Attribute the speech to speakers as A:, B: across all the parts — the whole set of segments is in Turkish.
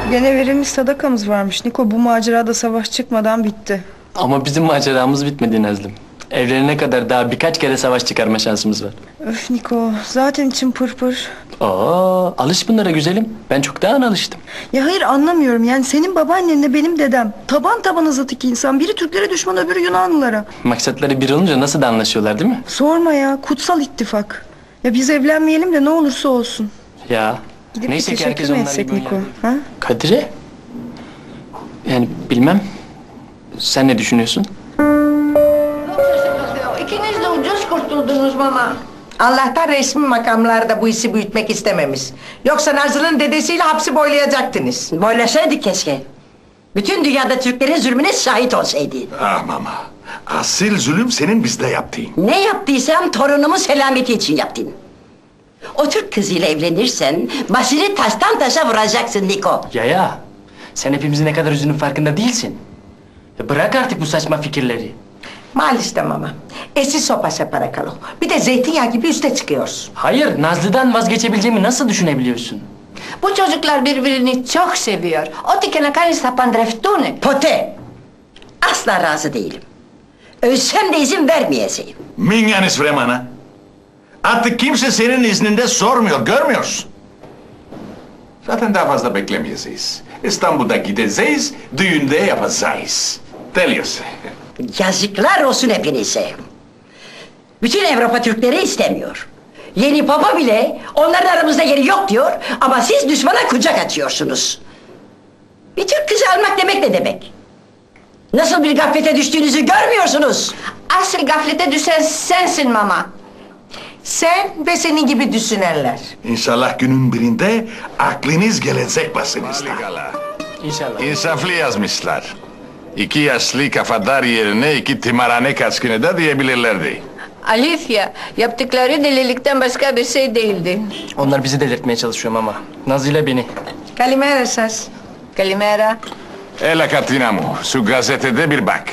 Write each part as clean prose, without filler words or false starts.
A: Gene verilmiş sadakamız varmış Niko. Bu macerada savaş çıkmadan bitti.
B: Ama bizim maceramız bitmedi Nazlım. Evlenene kadar daha birkaç kere savaş çıkarma şansımız var.
A: Öf Niko, zaten içim pırpır.
B: Alış bunlara güzelim. Ben çoktan alıştım.
A: Ya hayır, anlamıyorum. Yani senin babaannenle benim dedem taban tabana zıt iki insan. Biri Türklere düşman, öbürü Yunanlılara.
B: Maksatları bir olunca nasıl da anlaşıyorlar değil mi?
A: Sorma ya, kutsal ittifak. Ya biz evlenmeyelim de ne olursa olsun.
B: Ya.
A: Gidip
B: Neyse
A: bir
B: ki herkes
A: teşekkür mü
B: onlar
A: etsek
B: gibi
A: Niko?
B: oynar.
A: Ha?
B: Kadir'e? Yani bilmem. Sen ne düşünüyorsun?
C: İkiniz de ucuz kurtuldunuz mama.
D: Allah'tan resmi makamlarda bu işi büyütmek istememiş. Yoksa Nazlı'nın dedesiyle hapsi boylayacaktınız.
C: Boylasaydık keşke. Bütün dünyada Türklerin zulmüne şahit olsaydın.
E: Ah mama, asil zulüm senin bizde yaptığın.
C: Ne yaptıysam torunumun selameti için yaptın. O Türk kızıyla evlenirsen başını taştan taşa vuracaksın Niko.
B: Ya. Sen hepimizin ne kadar üzünün farkında değilsin. Bırak artık bu saçma fikirleri.
D: Maalesef mama. Esi sopa separa kalo. Bir de zeytinyağı gibi üste çıkıyorsun.
B: Hayır, Nazlı'dan vazgeçebileceğimi nasıl düşünebiliyorsun?
F: Bu çocuklar birbirini çok seviyor. Otiken na kanisa pandreftune.
D: Pote!
C: Asla razı değilim. Ölsem de izin vermeyeceğim.
E: Minyanis Vreman'a. Artık kimse senin izninde sormuyor, görmüyorsun. Zaten daha fazla beklemeyeceğiz. İstanbul'da gideceğiz, düğünde yapacağız. Deliyorsun.
C: Yazıklar olsun hepinize. Bütün Avrupa Türkleri istemiyor. Yeni papa bile onların aramızda yeri yok diyor ama siz düşmana kucak açıyorsunuz. Bir Türk kızı almak demek ne demek? Nasıl bir gaflete düştüğünüzü görmüyorsunuz.
F: Asıl gaflete düşen sensin mama.
D: Sen ve senin gibi düşünenler.
E: İnşallah günün birinde aklınız gelecek başınızda.
B: İnşallah.
E: İnsaflı yazmışlar. 2 yaşlı kafadar yerine 2 timarhane kaçkını da diyebilirlerdi.
F: Alicia, yaptıkları delilikten başka bir şey değildi.
B: Onlar bizi delirtmeye çalışıyor ama. Nazlı ile beni.
D: Kalimera esas.
F: Kalimera.
E: Ela Katinamu, şu gazetede bir bak.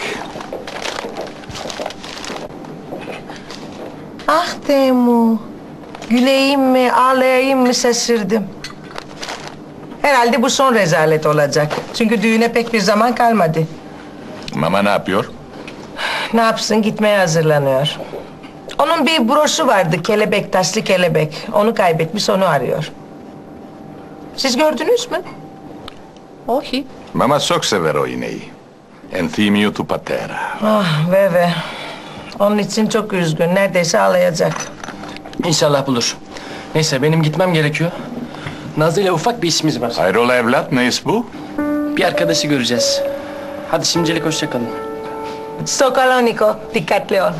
D: Ah Temu. Güleyim mi, ağlayayım mı şaşırdım. Herhalde bu son rezalet olacak. Çünkü düğüne pek bir zaman kalmadı.
E: Mama ne yapıyor?
D: Ne yapsın, gitmeye hazırlanıyor. Onun bir broşu vardı, kelebek, taşlı kelebek. Onu kaybetmiş, onu arıyor. Siz gördünüz mü?
F: Ohi.
E: Mama çok sever o iğneyi. Enthymio tu patera.
D: Ah ve. Onun için çok üzgün, neredeyse ağlayacak.
B: İnşallah bulur. Neyse benim gitmem gerekiyor. Nazlı ile ufak bir işimiz var.
E: Hayrola evlat, ne iş bu?
B: Bir arkadaşı göreceğiz. Hadi şimdilik hoşça kalın.
D: Sokoloniko, dikkatli ol.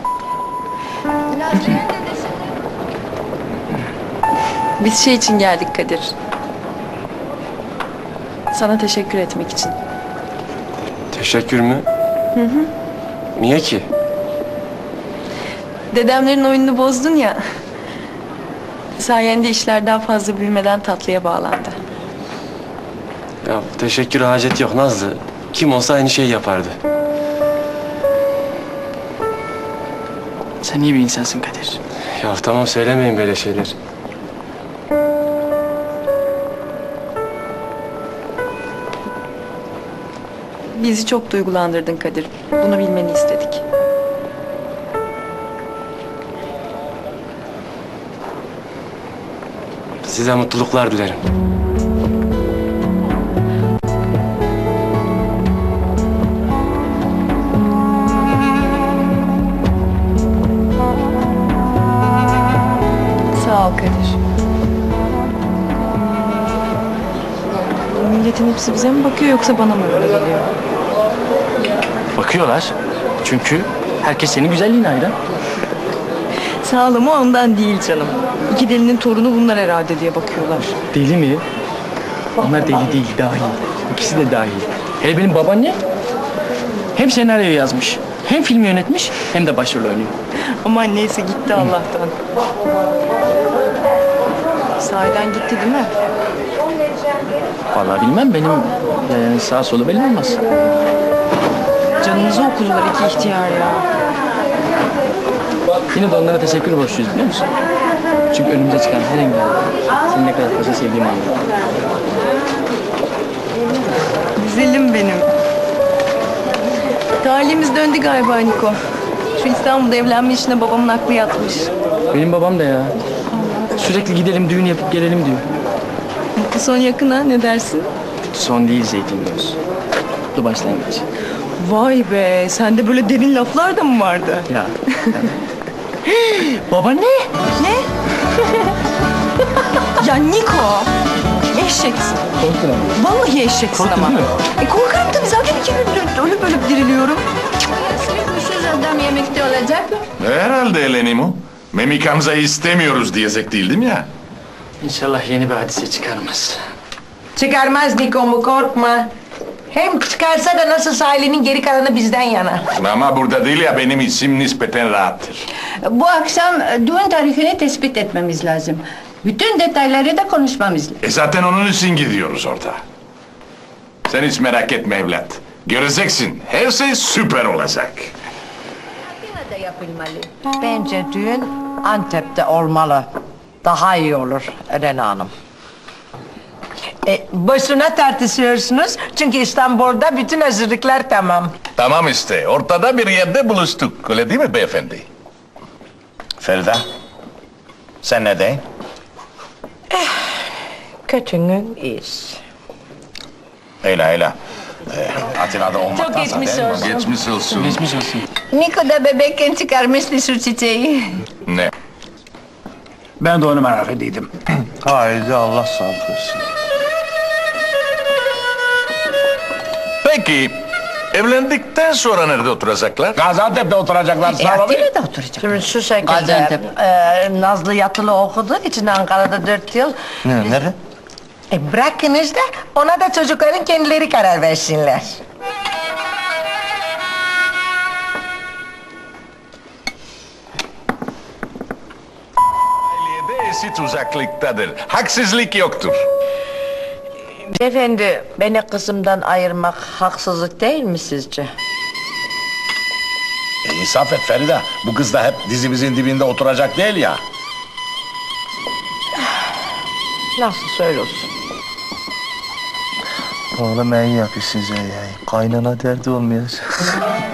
G: Biz şey için geldik Kadir. Sana teşekkür etmek için.
H: Teşekkür mü? Hı. Niye ki?
G: Dedemlerin oyununu bozdun ya. Sayende işler daha fazla büyümeden tatlıya bağlandı.
H: Ya teşekkür hacet yok Nazlı. Kim olsa aynı şeyi yapardı.
B: Sen iyi bir insansın Kadir.
H: Ya tamam söylemeyin böyle şeyler.
G: Bizi çok duygulandırdın Kadir. Bunu bilmeni istedik.
H: Size mutluluklar dilerim.
G: Sağ ol Kadir. Milletin hepsi bize mi bakıyor yoksa bana mı öyle geliyor?
B: Bakıyorlar. Çünkü herkes senin güzelliğine hayran.
G: Sağ ol ama ondan değil canım. İki delinin torunu bunlar herhalde diye bakıyorlar.
B: Deli mi? Onlar deli değil, dahi. İkisi de dahi. Hele benim babaannem hem senaryo yazmış, hem film yönetmiş, hem de başrol oynuyor.
G: Aman neyse gitti Allah'tan. Sahiden gitti değil mi?
B: Vallahi bilmem, benim sağ solu belli olmaz.
G: Canınızı okudular iki ihtiyar ya.
B: Yine de onlara teşekkür borçluyuz biliyor musun? Çünkü önümüze çıkan her engel seni ne kadar fazla sevdiğimi anladım.
G: Talihimiz döndü galiba Niko. Şu İstanbul'da evlenme işine babamın aklı yatmış.
B: Benim babam da ya. Sürekli gidelim düğün yapıp gelelim diyor.
G: Mutlu son yakın ha, ne dersin?
B: Son değil Zeytingöz. Mutlu başlangıç.
G: Vay be, sende böyle derin laflar da mı vardı?
B: Ya. Babaanne.
G: Ne? Ya Niko! Eşeksin.
B: Korktun ama.
G: Vallahi eşeksin
B: Korktun
G: ama.
B: değil mi?
G: Korkarım tabii, zaten 2 gündür ölüp ölüp diriliyorum.
F: Sürükmüşüz adam yemekte olacak mı?
E: Herhalde Elenimu. Memikamza istemiyoruz diyecektim ya.
B: İnşallah yeni bir hadise çıkarmaz.
D: Çıkarmaz Niko'mu, korkma. Hem çıkarsa da nasılsa ailenin geri kalanı bizden yana.
E: Ama burada değil ya, benim içim nispeten rahattır.
F: Bu akşam düğün tarihini tespit etmemiz lazım. Bütün detayları da konuşmamız lazım.
E: Zaten onun için gidiyoruz orada. Sen hiç merak etme evlat. Göreceksin, her şey süper olacak.
C: Atina'da yapılmalı. Bence düğün Antep'te olmalı. Daha iyi olur Elena Hanım.
D: Boşuna tartışıyorsunuz çünkü İstanbul'da bütün hazırlıklar tamam.
E: Tamam işte, ortada bir yerde buluştuk. Öyle değil mi beyefendi?
I: Feride, sen ne deyin?
D: Kötünün iyisi.
I: Öyle. Atina'da olmaktansa
D: Çok geçmiş
I: değil mi?
D: olsun.
E: Geçmiş olsun.
B: Geçmiş olsun.
F: Niko da bebekken çıkarmıştı şu çiçeği.
E: Ne?
J: Ben de onu merak ediydim.
I: Haydi Allah sağlık versin.
E: Peki, evlendikten sonra nerede oturacaklar?
J: Gaziantep'te oturacaklar sağ olun.
C: Atina'da oturacak.
D: Şimdi şu şekilde,
F: Gaziantep.
D: Nazlı yatılı okuduğu için Ankara'da 4 yıl.
I: Nere?
D: Bırakınız da ona da çocukların kendileri karar versinler.
E: Ailede eşit uzaklıktadır. Haksızlık yoktur.
D: Efendi, beni kızımdan ayırmak haksızlık değil mi sizce?
I: İnsaf et Feride, bu kız da hep dizimizin dibinde oturacak değil ya.
D: Nasıl söylüyorsun?
H: Oğlum iyi yapıyorsunuz ya. Kaynana derdi olmayacak.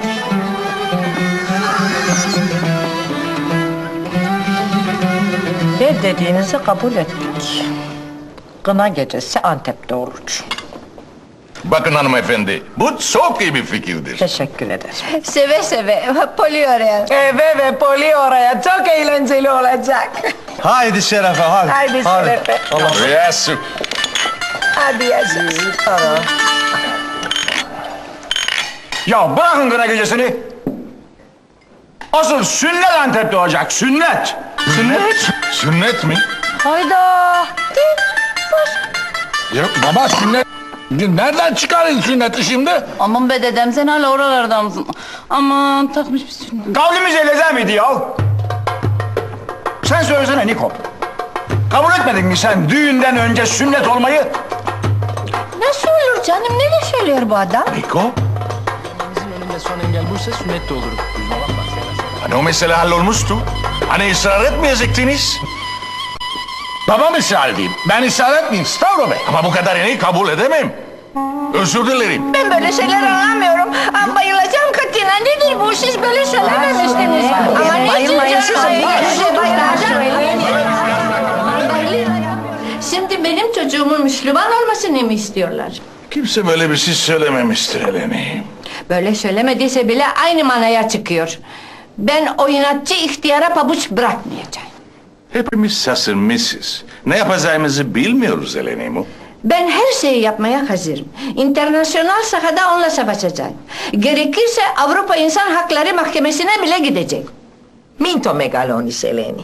C: Ne dediğinizi kabul ettik. Kına gecesi Antep'te olur.
E: Bakın hanımefendi, bu çok iyi bir fikirdir.
C: Teşekkür ederim.
F: Seve seve. Poli oraya.
D: Evet ve Poli oraya çok eğlenceli olacak.
I: Haydi Şerefe, hadi.
D: Haydi Şerefe.
E: Yes.
D: Hadi yaşasın.
J: Ya bırakın kına gecesini. Asıl sünnet Antep'te olacak, sünnet.
E: Sünnet? Sünnet mi?
F: Hayda.
J: Ya baba sünnet. Nereden çıkarın sünneti şimdi?
F: Aman be dedem sen hala oralardan mısın? Aman takmış bir sürü.
J: Kavlimiz eleden miydi ya? Sen söylesene Niko. Kabul etmedin mi sen düğünden önce sünnet olmayı?
F: Nasıl olur canım? Ne söylüyor bu adam?
E: Niko?
B: Bizim önünde son engel buysa sünnet de olurum.
E: Hani o mesele hallolmuştu. Hani ısrar etmeyecektiniz.
J: Babam ısrar edeyim. Ben ısrar etmeyeyim Stavro Bey.
E: Ama bu kadarını kabul edemem. Özür dilerim.
F: Ben böyle şeyler anlamıyorum. Ama bayılacağım Katina. Nedir bu? Siz böyle söylememiştiniz. Ama ne
C: bayılmayın, siz
F: Şimdi benim çocuğumun Müslüman olmasını mı istiyorlar?
E: Kimse böyle bir şey söylememiştir Eleni.
F: Böyle söylemediyse bile aynı manaya çıkıyor. Ben o inatçı ihtiyara pabuç bırakmayacağım.
E: Hepimiz şaşırmışız. Ne yapacağımızı bilmiyoruz Eleni.
F: Ben her şeyi yapmaya hazırım. İnternasyonal sahada onunla savaşacağım. Gerekirse Avrupa İnsan Hakları Mahkemesi'ne bile gidecek.
D: Minto megalonis Eleni.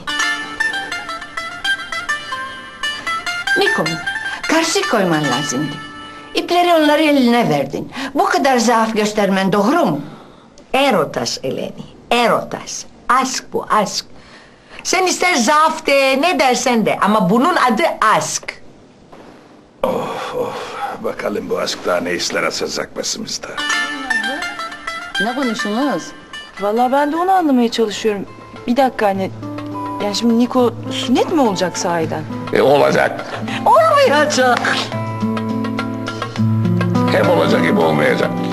F: Niko, karşı koyman lazımdı. İpleri onları eline verdin. Bu kadar zaaf göstermen doğru mu?
D: Erotas Eleni, erotas. Aşk bu, aşk. Sen ister zaaf de, ne dersen de ama bunun adı aşk.
E: Bakalım bu aşk daha ne işler açacak başımızda.
F: Ne konuştunuz?
G: Vallahi ben de onu anlamaya çalışıyorum. Bir dakika anne. Yani şimdi Niko sünnet mi olacak sahiden?
E: Olacak.
C: Olmayacak.
E: Hep olacak gibi olmayacak.